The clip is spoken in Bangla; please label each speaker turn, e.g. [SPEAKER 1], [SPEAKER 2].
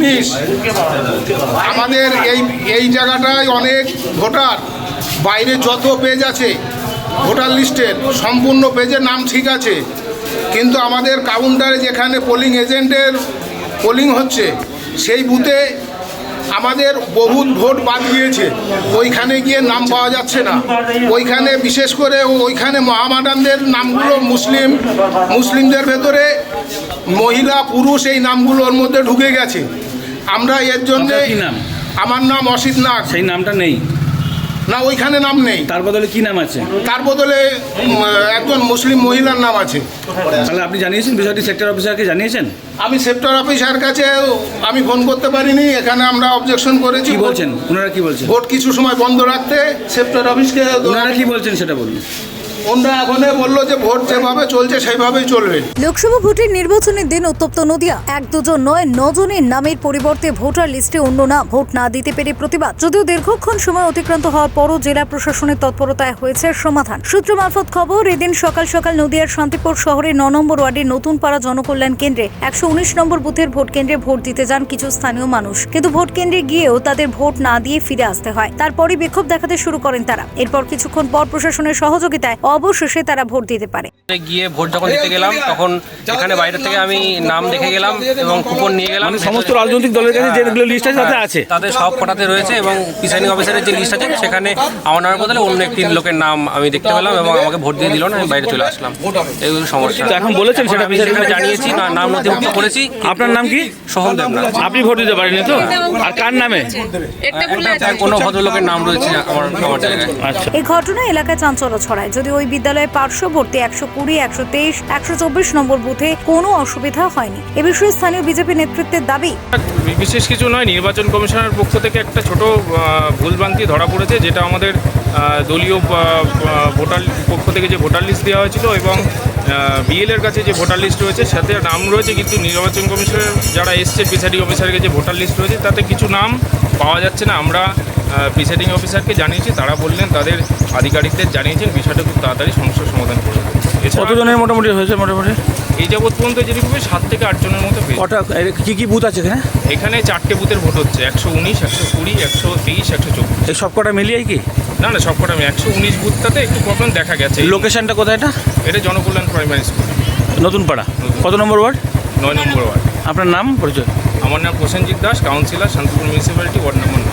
[SPEAKER 1] 19 আমাদের এই জায়গাটায় অনেক ভোটার বাইরে যত পেজ আছে ভোটার লিস্টের সম্পূর্ণ পেজের নাম ঠিক আছে, কিন্তু আমাদের কাউন্টারে যেখানে পোলিং এজেন্টের পোলিং হচ্ছে সেই বুথে আমাদের বহুত ভোট বাদ গিয়েছে, ওইখানে গিয়ে নাম পাওয়া যাচ্ছে না। ওইখানে বিশেষ করে ওইখানে মহামাডানদের নামগুলো মুসলিমদের ভেতরে মহিলা পুরুষ এই নামগুলোর মধ্যে ঢুকে গেছে। আমরা এর জন্যে, আমার নাম অসিত নাগ।
[SPEAKER 2] সেই নামটা নেই
[SPEAKER 1] না, ওইখানে নাম নেই।
[SPEAKER 2] তার বদলে কি নাম আছে?
[SPEAKER 1] তার বদলে একজন মুসলিম মহিলার নাম আছে।
[SPEAKER 2] তাহলে আপনি জানিয়েছেন বিষয়টি সেক্টর অফিসারকে জানিয়েছেন?
[SPEAKER 1] আমি সেক্টর অফিসার কাছে আমি ফোন করতে পারিনি, এখানে আমরা অবজেকশন করেছি।
[SPEAKER 2] কি বলছেন ওনারা, কি বলছেন?
[SPEAKER 1] ভোট কিছু সময় বন্ধ রাখতে সেক্টর অফিসকে।
[SPEAKER 2] ওনারা কি বলছেন সেটা বলুন।
[SPEAKER 1] ওনারা এখন বললো যে ভোট যেভাবে চলছে সেইভাবেই চলবে।
[SPEAKER 3] লোকসভা ভোটের নির্বাচনের দিন উত্তপ্ত নদিয়া। 1-2 নয় 9 জনের নামের পরিবর্তে ভোটার লিস্টে অন্য নাম, ভোট না দিতে পেরে প্রতিবাদ। যদিও দীর্ঘক্ষণ সময় অতিক্রান্ত হওয়ার পরও জেলা প্রশাসনের তৎপরতায় হয়েছে সমাধান। সূত্র মারফত খবর, এদিন সকাল সকাল নদিয়ার শান্তিপুর শহরের 9 নম্বর ওয়ার্ডের নতুন পাড়া জনকল্যাণ কেন্দ্রে 119 নম্বর বুথের ভোট কেন্দ্রে ভোট দিতে যান কিছু স্থানীয় মানুষ, কিন্তু ভোট কেন্দ্রে গিয়েও তাদের ভোট না দিয়ে ফিরে আসতে হয়। তারপরই বিক্ষোভ দেখাতে শুরু করেন তারা। এরপর কিছুক্ষণ পর প্রশাসনের সহযোগিতায় অবশেষে তারা ভোট দিতে পারে।
[SPEAKER 4] গিয়ে ভোট যখন দিতে গেলাম তখন এখানে বাইরে থেকে আমি নাম দেখে গেলাম এবং কুপন নিয়ে গেলাম।
[SPEAKER 2] সমস্ত রাজনৈতিক দলের কাছে যেগুলো লিস্ট আছে তাতে আছে,
[SPEAKER 4] তাদের সব কটাতে রয়েছে এবং প্রিসাইডিং অফিসারের যে লিস্ট আছে সেখানে আমার নামের বদলে অন্য একটি লোকের নাম আমি দেখতে পেলাম এবং আমাকে ভোট দিয়ে দিল না, আমি বাইরে চলে আসলাম। এইগুলো সমস্যা।
[SPEAKER 2] এখন বলেছেন সেটা
[SPEAKER 4] প্রিসাইডিংকে জানিয়েছি, নাম নথিভুক্ত করেছি।
[SPEAKER 2] আপনার নাম কি?
[SPEAKER 4] সোহম দেবনাথ।
[SPEAKER 2] আপনি ভোট দিতে পারেননি তো? আর কার নামে?
[SPEAKER 4] কোনো ভদ্রলোকের নাম রয়েছে আমার জায়গায়।
[SPEAKER 2] আচ্ছা।
[SPEAKER 3] এই ঘটনায় এলাকায় চাঞ্চল্য ছড়ায়। যদি ওই বিদ্যালয়ের পার্শ্ববর্তী 120, 123, 124 নম্বর বুথে কোনো অসুবিধা হয়নি। এ বিষয়ে স্থানীয় বিজেপি নেতৃত্বের দাবি,
[SPEAKER 5] বিশেষ কিছু নয়, নির্বাচন কমিশনের পক্ষ থেকে একটা ছোট ভুলভ্রান্তি ধরা পড়েছে, যেটা আমাদের দলীয় ভোটার পক্ষ থেকে যে ভোটার লিস্ট দেওয়া হয়েছিল এবং বিএলের কাছে যে ভোটার লিস্ট রয়েছে সাথে নাম রয়েছে, কিন্তু নির্বাচন কমিশনের যারা এসছে প্রিসাইডিং অফিসারের যে ভোটার লিস্ট রয়েছে তাতে কিছু নাম পাওয়া যাচ্ছে না। আমরা প্রিসাইডিং অফিসারকে জানিয়েছি, তারা বললেন তাদের আধিকারিকদের জানিয়েছেন, বিষয়টা খুব তাড়াতাড়ি সমস্যার সমাধান করে দেবে।
[SPEAKER 2] কতজনের মোটামুটি হয়েছে? মোটামুটি
[SPEAKER 5] এই যাবৎ পর্যন্ত যেরকম 7 থেকে 8 জনের মতো পেয়েছে।
[SPEAKER 2] কটা কি বুথ আছে এখানে?
[SPEAKER 5] এখানে 4টে বুথের ভোট হচ্ছে, 119, 120, 123, 124।
[SPEAKER 2] এই সব কটা মিলিয়ে কি?
[SPEAKER 5] না না, সব কটা 119 বুথটাতে একটু প্রবলেম দেখা গেছে।
[SPEAKER 2] লোকেশনটা কোথায় এটা?
[SPEAKER 5] এটা জনকল্যাণ প্রাইমারি স্কুল,
[SPEAKER 2] নতুন পাড়া। কত নম্বর ওয়ার্ড?
[SPEAKER 5] 9 নম্বর ওয়ার্ড।
[SPEAKER 2] আপনার নাম পরিচয়?
[SPEAKER 5] আমার নাম Prosenjit Das, councillor, Shantipur municipality, ward number 9।